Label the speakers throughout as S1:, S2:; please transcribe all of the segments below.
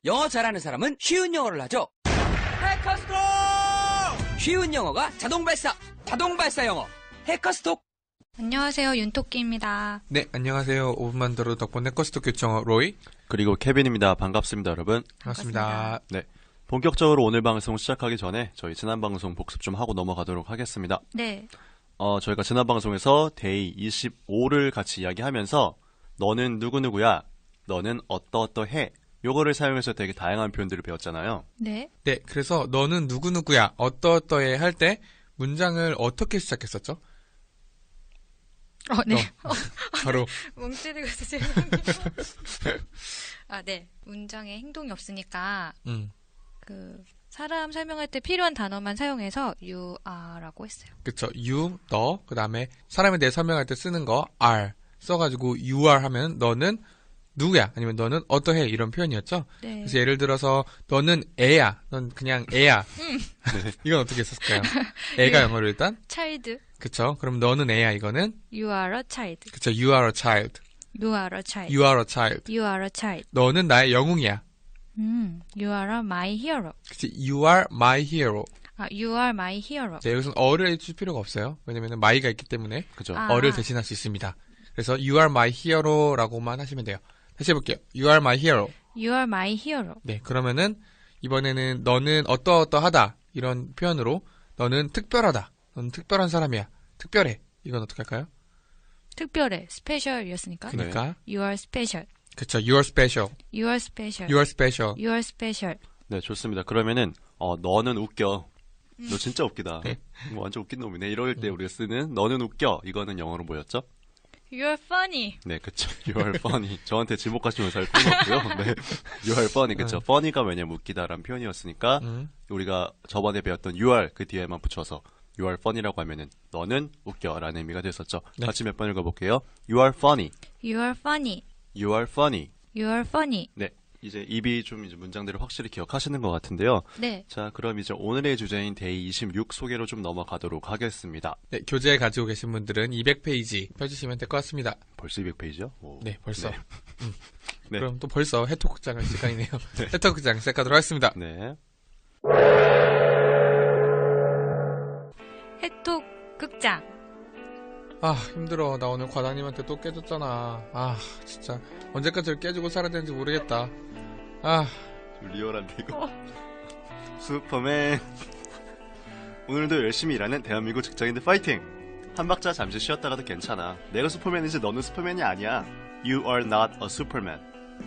S1: 영어 잘하는 사람은 쉬운 영어를 하죠. 해커스톡! 쉬운 영어가 자동 발사 영어. 해커스톡!
S2: 안녕하세요, 윤토끼입니다.
S3: 네, 안녕하세요. 5분만 들어도 덕분에 해커스톡 교청어 로이.
S4: 그리고 케빈입니다. 반갑습니다, 여러분.
S3: 반갑습니다.
S4: 네. 본격적으로 오늘 방송 시작하기 전에 저희 지난 방송 복습 좀 하고 넘어가도록 하겠습니다.
S2: 네.
S4: 저희가 지난 방송에서 데이 25를 같이 이야기하면서 너는 누구누구야, 너는 어떠어떠해, 요거를 사용해서 되게 다양한 표현들을 배웠잖아요.
S2: 네.
S3: 네, 그래서 너는 누구누구야, 어떠어떠해 할 때 문장을 어떻게 시작했었죠?
S2: 네.
S3: 바로
S2: 멍 때리고 있어, 죄송해요. 네. 문장에 행동이 없으니까, 사람 설명할 때 필요한 단어만 사용해서 you are라고 했어요.
S3: 그쵸. you, 너, 그 다음에 사람에 대해 설명할 때 쓰는 거 are 써가지고 you are 하면 너는 누구야, 아니면 너는 어떠해, 이런 표현이었죠.
S2: 네.
S3: 그래서 예를 들어서 너는 애야, 넌 그냥 애야. 이건 어떻게 썼을까요? 애가 영어로 일단
S2: child.
S3: 그쵸. 그럼 너는 애야, 이거는
S2: You are a child.
S3: 그쵸. You are a child.
S2: You are a child.
S3: You are a child.
S2: You are a child.
S3: 너는 나의 영웅이야.
S2: You are my hero.
S3: 그치. You are my hero.
S2: You are my hero.
S3: 네, 여기서는 어를 해줄 필요가 없어요. 왜냐면 my가 있기 때문에
S4: 그죠?
S3: 어를 대신할 수 있습니다. 그래서 you are my hero라고만 하시면 돼요. 다시 해볼게요. You are my hero.
S2: You are my hero.
S3: 네, 그러면은 이번에는 너는 어떠어떠하다, 이런 표현으로 너는 특별하다, 너는 특별한 사람이야, 특별해, 이건 어떻게 할까요?
S2: 특별해. special이었으니까.
S3: 그러니까
S2: You are special.
S3: 그쵸. You are special.
S2: You are special.
S3: You are special.
S2: You are special.
S4: 네, 좋습니다. 그러면은 너는 웃겨. 너 진짜 웃기다.
S3: 네.
S4: 완전 웃긴 놈이네. 이럴 때 우리가 쓰는 너는 웃겨. 이거는 영어로 뭐였죠?
S2: You are funny.
S4: 네, 그쵸. You are funny. 저한테 지목하시면서 할 필요 없고요. 네. You are funny. 그쵸. funny가 왜냐면 웃기다라는 표현이었으니까 우리가 저번에 배웠던 you are 그 뒤에만 붙여서 You are funny라고 하면은 너는 웃겨라는 의미가 됐었죠.
S3: 네.
S4: 같이 몇 번 읽어볼게요. You are funny.
S2: You are funny.
S4: You are funny.
S2: You are funny.
S4: 네, 이제 입이 좀 이제 문장들을 확실히 기억하시는 것 같은데요.
S2: 네.
S4: 자, 그럼 이제 오늘의 주제인 데이 26 소개로 좀 넘어가도록 하겠습니다.
S3: 네, 교재 가지고 계신 분들은 200페이지 펴주시면 될 것 같습니다.
S4: 벌써 200페이지요?
S3: 네, 벌써.
S4: 네. 네.
S3: 그럼 또 벌써 해토극장 할 시간이네요. 해토극장 시작하도록 하겠습니다.
S4: 네.
S2: 해톡 극장.
S3: 아, 힘들어. 나 오늘 과장님한테 또 깨졌잖아. 아, 진짜 언제까지 깨지고 살아야 되는지 모르겠다. 아,
S4: 좀 리얼한데 이거. 슈퍼맨. 오늘도 열심히 일하는 대한민국 직장인들 파이팅! 한 박자 잠시 쉬었다가도 괜찮아. 내가 슈퍼맨이지 너는 슈퍼맨이 아니야. You are not a superman.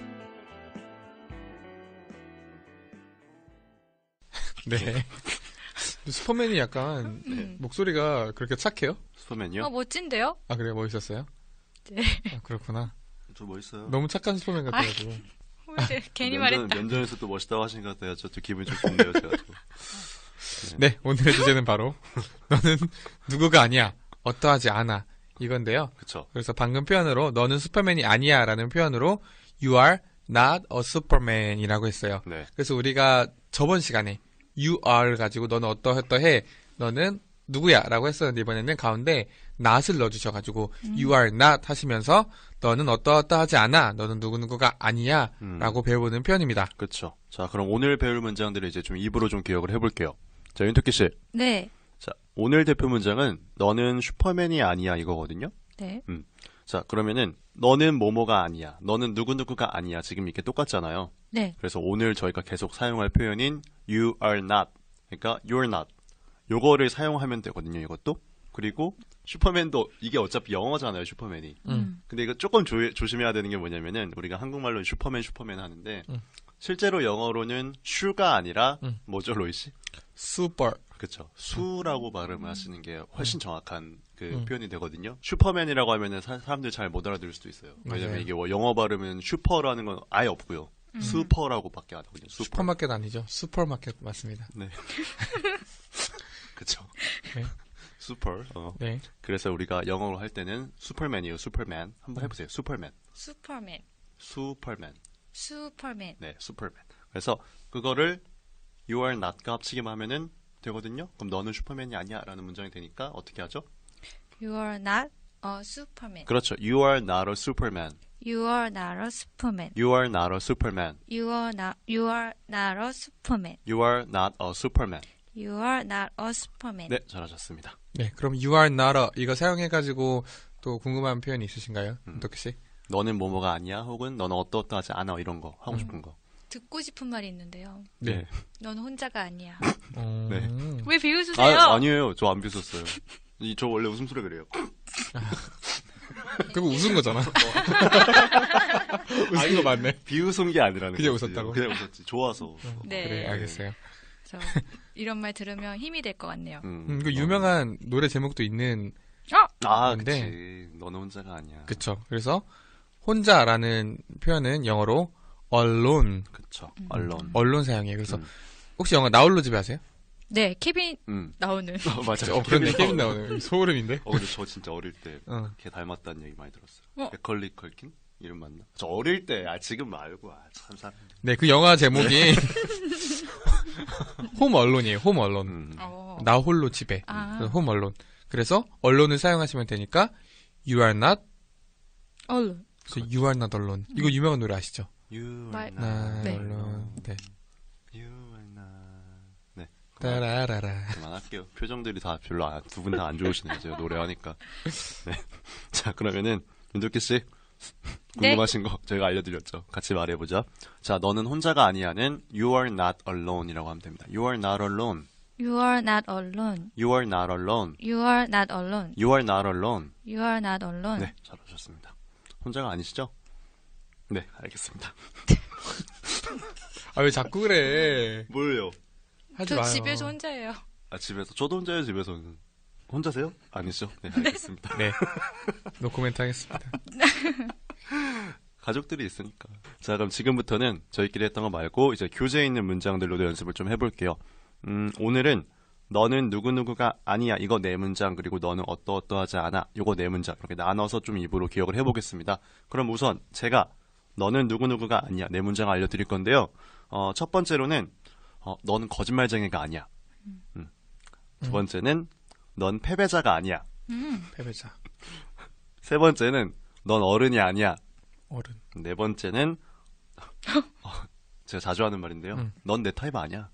S3: 네. 슈퍼맨이 약간 목소리가 그렇게 착해요?
S4: 슈퍼맨이요?
S2: 멋진데요?
S3: 아, 그래요? 멋있었어요?
S2: 네.
S3: 아, 그렇구나.
S4: 저 멋있어요.
S3: 너무 착한 슈퍼맨 같아가지고.
S2: 괜히 말했다.
S4: 면전에서 또 멋있다고 하신 것 같아요. 저 기분이 좀 좋네요, 제가 또.
S3: 네, 오늘의 주제는 바로 너는 누구가 아니야, 어떠하지 않아, 이건데요.
S4: 그쵸.
S3: 그래서 방금 표현으로 너는 슈퍼맨이 아니야 라는 표현으로 You are not a superman 이라고 했어요.
S4: 네.
S3: 그래서 우리가 저번 시간에 You are를 가지고 너는 어떠어떠해, 너는 누구야 라고 했었는데, 이번에는 가운데 not을 넣어주셔가지고 You are not 하시면서 너는 어떠어떠하지 않아, 너는 누구누구가 아니야 라고 배워보는 표현입니다.
S4: 그쵸. 자, 그럼 오늘 배울 문장들을 이제 좀 입으로 좀 기억을 해볼게요. 자, 윤토끼 씨.
S2: 네.
S4: 자, 오늘 대표 문장은 너는 슈퍼맨이 아니야 이거거든요.
S2: 네.
S4: 자, 그러면은 너는 뭐뭐가 아니야, 너는 누구누구가 아니야, 지금 이게 똑같잖아요.
S2: 네.
S4: 그래서 오늘 저희가 계속 사용할 표현인 you are not, 그러니까 you're not, 요거를 사용하면 되거든요, 이것도. 그리고 슈퍼맨도 이게 어차피 영어잖아요, 슈퍼맨이. 근데 이거 조금 조심해야 되는 게 뭐냐면은 우리가 한국말로 슈퍼맨 하는데 실제로 영어로는 슈가 아니라 뭐죠, 로이 씨?
S3: Super.
S4: 그쵸. 수라고 발음을 하시는 게 훨씬 정확한 그 표현이 되거든요. 슈퍼맨이라고 하면은 사람들 잘 못 알아들을 수도 있어요. 왜냐면
S3: 맞아요.
S4: 이게 영어 발음은 슈퍼라는 건 아예 없고요. 슈퍼라고밖에 안 하거든요.
S3: 슈퍼마켓 아니죠? 슈퍼마켓 맞습니다.
S4: 네. 그쵸.
S3: 네.
S4: 슈퍼.
S3: 네.
S4: 그래서 우리가 영어로 할 때는 슈퍼맨이에요. 슈퍼맨. 한번 해보세요. 슈퍼맨.
S2: 슈퍼맨.
S4: 슈퍼맨.
S2: 슈퍼맨.
S4: 네, 슈퍼맨. 그래서 그거를 you are not과 합치기만 하면은 되거든요. 그럼 너는 슈퍼맨이 아니야 라는 문장이 되니까 어떻게 하죠?
S2: You are not a superman.
S4: 그렇죠. You are not a superman.
S2: You are not a superman.
S4: You are not a superman.
S2: You are not a superman.
S4: You are not a superman.
S2: You are not a superman.
S4: 네, 잘하셨습니다.
S3: 네, 그럼 you are not a 이거 사용해가지고 또 궁금한 표현이 있으신가요? 어떻게 씨?
S4: 너는 뭐뭐가 아니야? 혹은 너는 어떠어떠하지 않아? 이런 거 하고 싶은 거.
S2: 듣고 싶은 말이 있는데요.
S3: 네.
S2: 넌 혼자가 아니야.
S4: 네.
S2: 왜 비웃으세요?
S4: 아니에요. 저 안 비웃었어요. 저 원래 웃음소리 그래요.
S3: 그거 웃은 거잖아. 웃은 거 맞네.
S4: 비웃은 게 아니라는
S3: 그냥
S4: 거지.
S3: 웃었다고?
S4: 그냥 웃었지. 좋아서.
S2: 네.
S3: 그래, 알겠어요.
S2: 저 이런 말 들으면 힘이 될 것 같네요.
S3: 그 유명한 노래 제목도 있는
S4: 아,
S3: 근데-
S4: 그치. 너는 혼자가 아니야.
S3: 그쵸. 그래서 혼자라는 표현은 영어로 alone,
S4: 그쵸. 언론.
S3: 언론 사용이에요. 그래서 혹시 영어 나홀로 집에 하세요?
S2: 네, 케빈
S4: 음.
S2: 나오는.
S4: 맞아요.
S3: 그런데 케빈 나오는 소름인데.
S4: 근데 저 진짜 어릴 때
S3: 어.
S4: 걔 닮았다는 얘기 많이 들었어요.
S2: 어.
S4: 맥컬리 컬킨? 이름 맞나? 저 어릴 때, 지금 말고, 참 사람.
S3: 네, 그 영화 제목이 홈 언론이에요. 홈 언론.
S2: 어.
S3: 나 홀로 집에.
S2: 아.
S3: 그래서 홈 언론. 그래서 언론을 사용하시면 되니까 you are not.
S2: 얼른.
S3: 그래서 you are not alone. 이거 유명한 노래 아시죠?
S4: You
S2: 말-
S4: are
S3: 나
S4: not
S2: 네.
S3: alone. 네.
S4: You are not. 네.
S3: 따라라라.
S4: 그만할게요. 표정들이 다 별로 두 분 다 안 좋으시네요. 제가 노래하니까. 네. 자, 그러면은 윤덕기 씨
S2: 네.
S4: 궁금하신 거 저희가 알려드렸죠. 같이 말해보자. 자, 너는 혼자가 아니야는 You are not alone이라고 하면 됩니다. You are not alone.
S2: You are not alone.
S4: You are not alone.
S2: You are not alone.
S4: You are not alone.
S2: You are not alone.
S4: 네, 잘하셨습니다. 혼자가 아니시죠? 네, 알겠습니다.
S3: 아, 왜 자꾸 그래?
S4: 뭘요?
S3: 하지
S2: 저
S3: 마요.
S2: 집에서 혼자예요.
S4: 집에서 저도 혼자예요. 집에서는. 혼자세요? 아니죠? 네, 알겠습니다.
S3: 네. 노코멘트 하겠습니다.
S4: 가족들이 있으니까. 자, 그럼 지금부터는 저희끼리 했던 거 말고 이제 교재에 있는 문장들로도 연습을 좀 해볼게요. 오늘은 너는 누구누구가 아니야. 이거 네 문장. 그리고 너는 어떠어떠하지 않아. 이거 네 문장. 이렇게 나눠서 좀 입으로 기억을 해보겠습니다. 그럼 우선 제가 너는 누구누구가 아니야. 네 문장 알려드릴 건데요. 첫 번째로는 너는 거짓말쟁이가 아니야. 두 번째는 넌 패배자가 아니야.
S3: 패배자.
S4: 세 번째는 넌 어른이 아니야.
S3: 어른.
S4: 네 번째는 제가 자주 하는 말인데요. 넌 내 타입 아니야.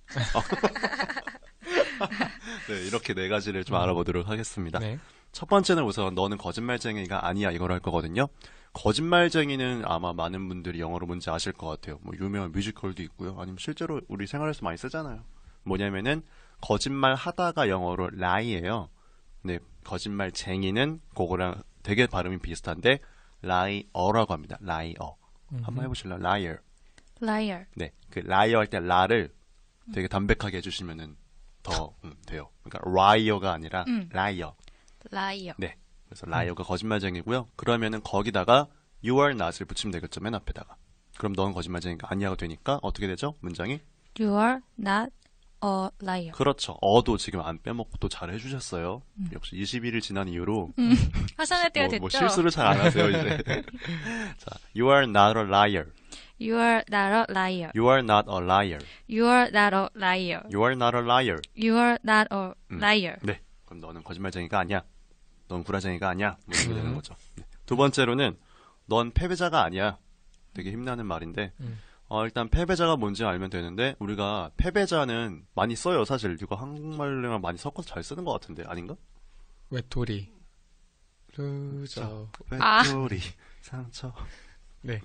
S4: 네, 이렇게 네 가지를 좀 알아보도록 하겠습니다.
S3: 네.
S4: 첫 번째는 우선 너는 거짓말쟁이가 아니야 이걸 할 거거든요. 거짓말쟁이는 아마 많은 분들이 영어로 뭔지 아실 것 같아요. 뭐 유명한 뮤지컬도 있고요. 아니면 실제로 우리 생활에서 많이 쓰잖아요. 뭐냐면은 거짓말 하다가 영어로 lie예요. 네, 거짓말쟁이는 그거랑 되게 발음이 비슷한데 lie라고 합니다. liar. 한번 해보실래요? liar.
S2: Liar.
S4: 네, 그 liar 할 때 라를 되게 담백하게 해주시면은 더 돼요. 그러니까 liar가 아니라 liar.
S2: Liar.
S4: 네, 그래서 liar가 거짓말쟁이고요. 그러면은 거기다가 you are not을 붙이면 되겠죠, 맨 앞에다가. 그럼 넌 거짓말쟁이가 아니야가 되니까 어떻게 되죠? 문장이?
S2: You are not a liar.
S4: 그렇죠. 어도 지금 안 빼먹고 또 잘 해주셨어요. 역시 21일 지난 이후로
S2: 하산할 때가 됐죠?
S4: 뭐 실수를 잘 안 하세요 이제. 자, you are not a liar.
S2: You are not a liar.
S4: You are not a liar.
S2: You are not a liar.
S4: You are not a liar.
S2: You are not a liar.
S4: 네, 그럼 너는 거짓말쟁이가 아니야. 넌 구라쟁이가 아니야. 뭐 이렇게 되는 거죠. 네. 두 번째로는 넌 패배자가 아니야. 되게 힘나는 말인데 일단 패배자가 뭔지 알면 되는데 우리가 패배자는 많이 써요. 사실 이거 한국말이랑 많이 섞어서 잘 쓰는 것 같은데 아닌가?
S3: 외톨이. 루저.
S4: 외톨이 상처.
S3: 네.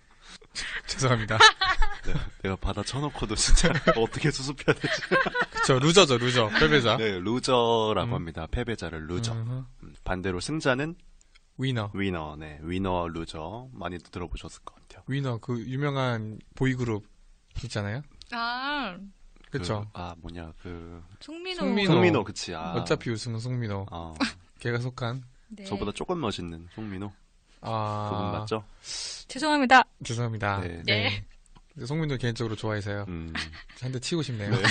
S3: 죄송합니다.
S4: 내가 받아 쳐놓고도 진짜 어떻게 수습해야 되지?
S3: 그쵸, 루저죠, 루저. 패배자.
S4: 네, 루저라고 합니다. 패배자를 루저. 반대로 승자는
S3: 위너.
S4: 위너. 네, 위너 루저 많이 들어보셨을 것 같아요.
S3: 위너, 그 유명한 보이그룹 있잖아요.
S2: 아,
S3: 그쵸.
S4: 뭐냐
S2: 송민호.
S3: 송민호.
S4: 송민호 그치.
S3: 어차피 우승은 송민호. 걔가 속한.
S2: 네.
S4: 저보다 조금 멋있는 송민호.
S3: 아.
S4: 그분 맞죠?
S2: 죄송합니다.
S3: 죄송합니다.
S4: 네.
S2: 네.
S3: 송민호 개인적으로 좋아해서요. 한 대 치고 싶네요.
S4: 네.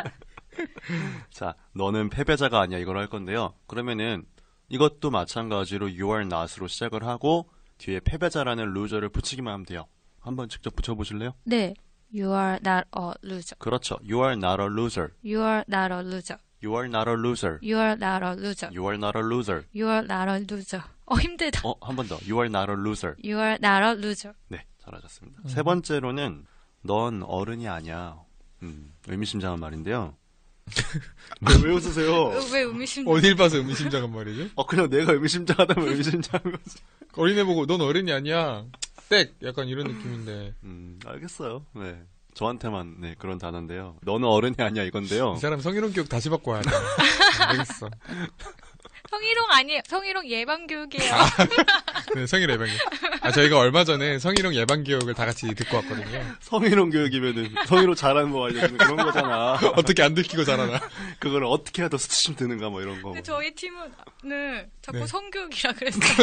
S4: 자, 너는 패배자가 아니야 이걸 할 건데요. 그러면은 이것도 마찬가지로 you are not으로 시작을 하고 뒤에 패배자라는 loser를 붙이기만 하면 돼요. 한번 직접 붙여보실래요?
S2: 네. You are not a loser.
S4: 그렇죠. You are not a loser.
S2: You are not a loser.
S4: You are not a loser.
S2: You are not a loser.
S4: You are not a loser.
S2: You are not a loser. 힘들다.
S4: 한 번 더. You are not a loser.
S2: You are not a loser.
S4: 네, 잘하셨습니다. 세 번째로는 넌 어른이 아니야. 의미심장한 말인데요. 왜 웃으세요?
S2: 왜 의미심장?
S3: 어딜 봐서 의미심장한 말이죠?
S4: 그냥 내가 의미심장하다면 의미심장한 거지.
S3: 어린애 보고 넌 어른이 아니야. 땡! 약간 이런 느낌인데.
S4: 알겠어요. 네. 저한테만 네, 그런 단어인데요. 너는 어른이 아니야 이건데요.
S3: 이 사람 성희롱 교육 다시 받고 와야 돼. 알겠어.
S2: 성희롱 아니에요. 성희롱 예방교육이에요.
S3: 네, 성희롱 예방교육. 저희가 얼마 전에 성희롱 예방교육을 다 같이 듣고 왔거든요.
S4: 성희롱 교육이면은 성희롱 잘하는 거 알려주는 그런 거잖아.
S3: 어떻게 안 들키고 자라나.
S4: 그걸 어떻게 해야 더 수치심 드는가 뭐 이런 거.
S2: 근데 저희 팀은 자꾸
S3: 네.
S2: 성교육이라 그랬어요.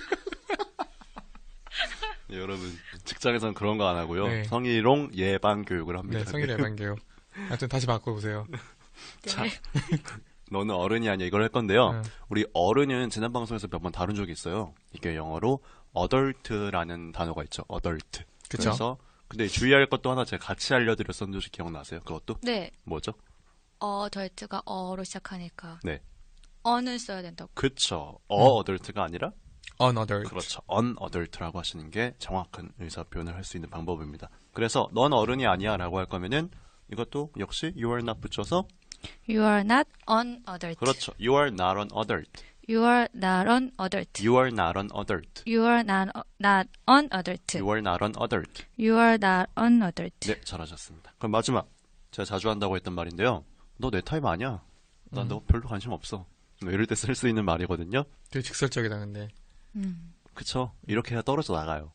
S4: 네, 여러분 직장에서는 그런 거 안 하고요.
S3: 네.
S4: 성희롱 예방 교육을 합니다.
S3: 네, 성희롱 예방교육. 하여튼 다시 바꿔보세요.
S4: 자, 너는 어른이 아니야 이걸 할 건데요.
S3: 네.
S4: 우리 어른은 지난 방송에서 몇 번 다룬 적이 있어요. 이게 영어로 adult라는 단어가 있죠. adult.
S3: 그쵸.
S4: 그래서 근데 주의할 것도 하나 제가 같이 알려드렸었는데 혹시 기억나세요? 그것도?
S2: 네.
S4: 뭐죠?
S2: 덜트가 어로 시작하니까.
S4: 네.
S2: 어는 써야 된다고.
S4: 그쵸. adult가 아니라
S3: unadult.
S4: 그렇죠. unadult라고 하시는 게 정확한 의사 표현을 할 수 있는 방법입니다. 그래서 넌 어른이 아니야 라고 할 거면은 이것도 역시 you are not 붙여서
S2: You are not an adult.
S4: 그렇죠. You are not an adult.
S2: You are not an adult.
S4: You are not an adult.
S2: You are not an adult.
S4: You are not an adult.
S2: You are not an adult.
S4: 네, 잘하셨습니다. 그럼 마지막. 제가 자주 한다고 했던 말인데요. 너 내 타입 아니야. 난 너 별로 관심 없어. 뭐 이럴 때 쓸 수 있는 말이거든요.
S3: 되게 직설적이다, 근데.
S4: 그쵸. 이렇게 해야 떨어져 나가요.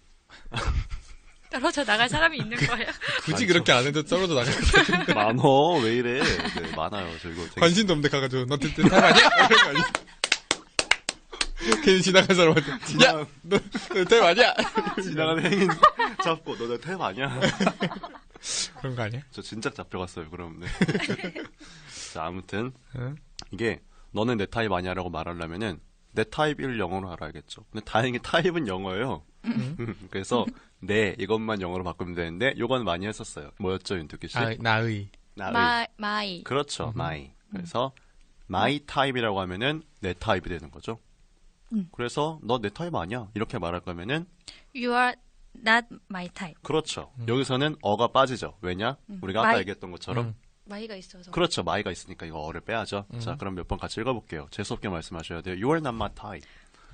S2: 떨어져 나갈 사람이 있는 거예요?
S3: 굳이 그렇게 안 해도 떨어져 나갈 것 같은데.
S4: 많어. 왜 이래. 네, 많아요. 저 이거 되게
S3: 관심도 없는데 가가지고, 너 뜻 타입 아니야? 이런 거 아니야? 괜히 지나간 사람한테, 야! 너 타입 아니야?
S4: 지나가는 행인 잡고 너 내 타입 아니야.
S3: 그런 거 아니야?
S4: 저 진작 잡혀갔어요. 그럼. 네. 자, 아무튼
S3: 응?
S4: 이게 너는 내 타입 아니야라고 말하려면은 내 타입을 영어로 알아야겠죠. 근데 다행히 타입은 영어예요. 그래서 네 이것만 영어로 바꾸면 되는데 요건 많이 했었어요. 뭐였죠, 윤두기 씨?
S3: 나의.
S4: 나의.
S2: my.
S4: 그렇죠, my. 그래서 my 타입이라고 하면은 내 타입이 되는 거죠. 그래서 너 내 타입 아니야 이렇게 말할 거면은
S2: You are not my type.
S4: 그렇죠. 여기서는 어가 빠지죠. 왜냐? 우리가 아까
S2: my.
S4: 얘기했던 것처럼
S2: my가 있어서.
S4: 그렇죠. my가 있으니까 이거 어를 빼야죠. 자, 그럼 몇 번 같이 읽어볼게요. 재수없게 말씀하셔야 돼요. You are not my type.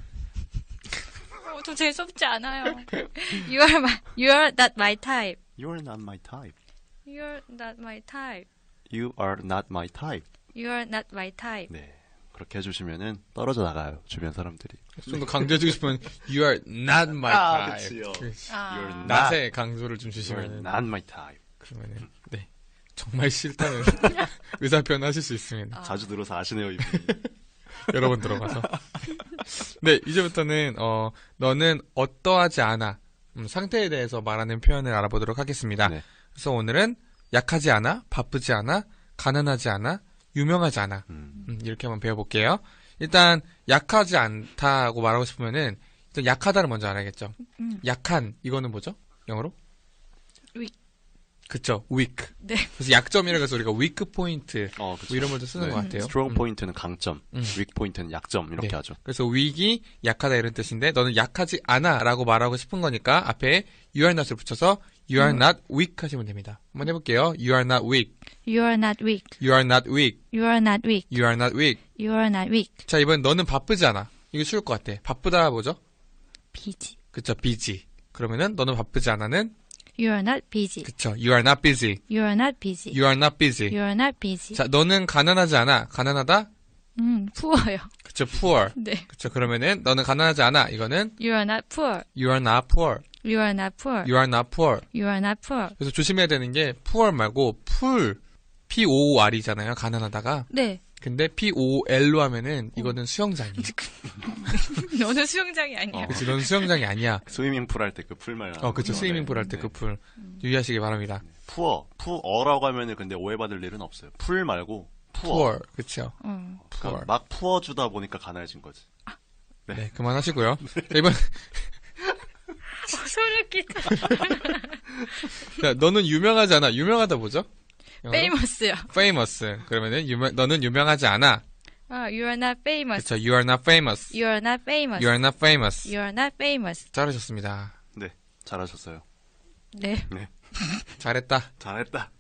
S2: 좀 재수없지 않아요. You are not my type.
S4: You are not my type.
S2: You are not my type.
S4: You are not my type.
S2: You are not my type.
S4: 네. 그렇게 해주시면은 떨어져 나가요. 주변 사람들이.
S3: 좀 더 강조해주고 싶으면, you are not my type.
S4: 그치요.
S3: 그치.
S4: You're not,
S3: 낫에 강조를 좀
S4: you're
S3: 주시면은,
S4: not my type.
S3: 그러면은, 네. 정말 싫다는 의사표현 하실 수 있습니다.
S4: 자주 들어서 아시네요, 이분이.
S3: 여러 번 들어가서. 네, 이제부터는, 너는 어떠하지 않아. 상태에 대해서 말하는 표현을 알아보도록 하겠습니다.
S4: 네.
S3: 그래서 오늘은 약하지 않아, 바쁘지 않아, 가난하지 않아, 유명하지 않아. 이렇게 한번 배워볼게요. 일단, 약하지 않다고 말하고 싶으면은, 일단 약하다를 먼저 알아야겠죠. 약한, 이거는 뭐죠? 영어로?
S2: weak.
S3: 그쵸, weak.
S2: 네.
S3: 그래서 약점이라고 해서 우리가 weak point,
S4: 그쵸.
S3: 뭐 이런 말도 쓰는 것 같아요.
S4: strong 포인트는 강점,
S3: 음.
S4: weak 포인트는 약점 이렇게
S3: 네.
S4: 하죠.
S3: 그래서 weak이 약하다 이런 뜻인데 너는 약하지 않아 라고 말하고 싶은 거니까 앞에 you are not을 붙여서 you are not weak 하시면 됩니다. 한번 해볼게요. You are not weak.
S2: You are not weak.
S3: You are not weak.
S2: You are not weak.
S3: You are not weak.
S2: You are not weak.
S3: 자, 이번 너는 바쁘지 않아. 이게 쉬울 것 같아. 바쁘다 뭐죠?
S2: busy.
S3: 그쵸, busy. 그러면은 너는 바쁘지 않아는
S2: You are not busy.
S3: 그쵸, you are not busy.
S2: You are not busy.
S3: You are not busy.
S2: You are not busy.
S3: 자, 너는 가난하지 않아. 가난하다?
S2: poor요.
S3: 그쵸, poor.
S2: 네.
S3: 그쵸, 그러면은 너는 가난하지 않아. 이거는
S2: You are not poor.
S3: you are not poor.
S2: You are not poor.
S3: You are not poor.
S2: You are not poor.
S3: 그래서 조심해야 되는 게 poor 말고 poor, P-O-O-R이잖아요. 가난하다가.
S2: 네.
S3: 근데 P-O-L-로 하면은 이거는 수영장이에요.
S2: 너는 수영장이 아니야.
S3: 그치, 넌 수영장이 아니야.
S4: 스위밍풀 할 때 그 풀 말.
S3: 그쵸, 스위밍풀 할 때 그 풀. 유의하시기 바랍니다.
S4: 푸어라고 하면은 근데 오해받을 일은 없어요. 풀 말고 푸어.
S3: poor, 그쵸.
S4: 그러니까
S3: poor.
S4: 막 푸어주다 보니까 가난해진 거지.
S3: 네, 그만하시고요. 자, 이번,
S2: 소름 끼다.
S3: 자, 너는 유명하지 않아. 유명하다 뭐죠? 영어로?
S2: famous요.
S3: famous. 그러면은 너는 유명하지 않아.
S2: You are not famous.
S3: 그쵸. You are not famous.
S2: You are not famous.
S3: You are not famous.
S2: You are not famous.
S3: 잘하셨습니다.
S4: 네, 잘하셨어요.
S2: 네.
S3: 잘했다.
S4: 잘했다.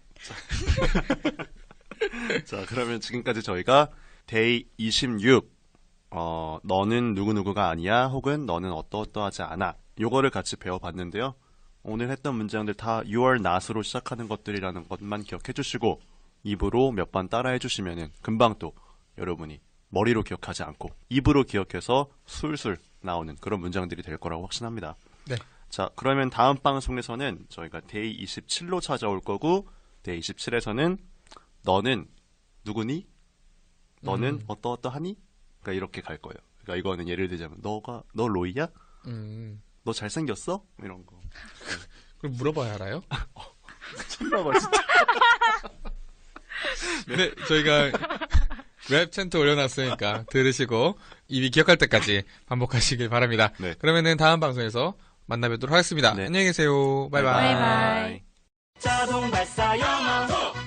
S4: 자, 그러면 지금까지 저희가 데이 26, 너는 누구누구가 아니야, 혹은 너는 어떠어떠하지 않아. 요거를 같이 배워봤는데요. 오늘 했던 문장들 다 you are not으로 시작하는 것들이라는 것만 기억해 주시고, 입으로 몇 번 따라해 주시면은 금방 또 여러분이 머리로 기억하지 않고 입으로 기억해서 술술 나오는 그런 문장들이 될 거라고 확신합니다.
S3: 네.
S4: 자, 그러면 다음 방송에서는 저희가 데이 27로 찾아올 거고, 데이 27에서는 너는 누구니? 너는 어떠어떠하니? 그러니까 이렇게 갈 거예요. 그러니까 이거는 예를 들자면 너 로이야? 너 잘생겼어? 이런 거.
S3: 그럼 물어봐야 알아요?
S4: 참나봐 진짜.
S3: 네, 저희가 랩 챈트 올려놨으니까 들으시고 입이 기억할 때까지 반복하시길 바랍니다.
S4: 네.
S3: 그러면은 다음 방송에서 만나뵙도록 하겠습니다.
S4: 네.
S3: 안녕히 계세요. 바이바이.
S2: 바이바이.
S1: 자동 발사 영어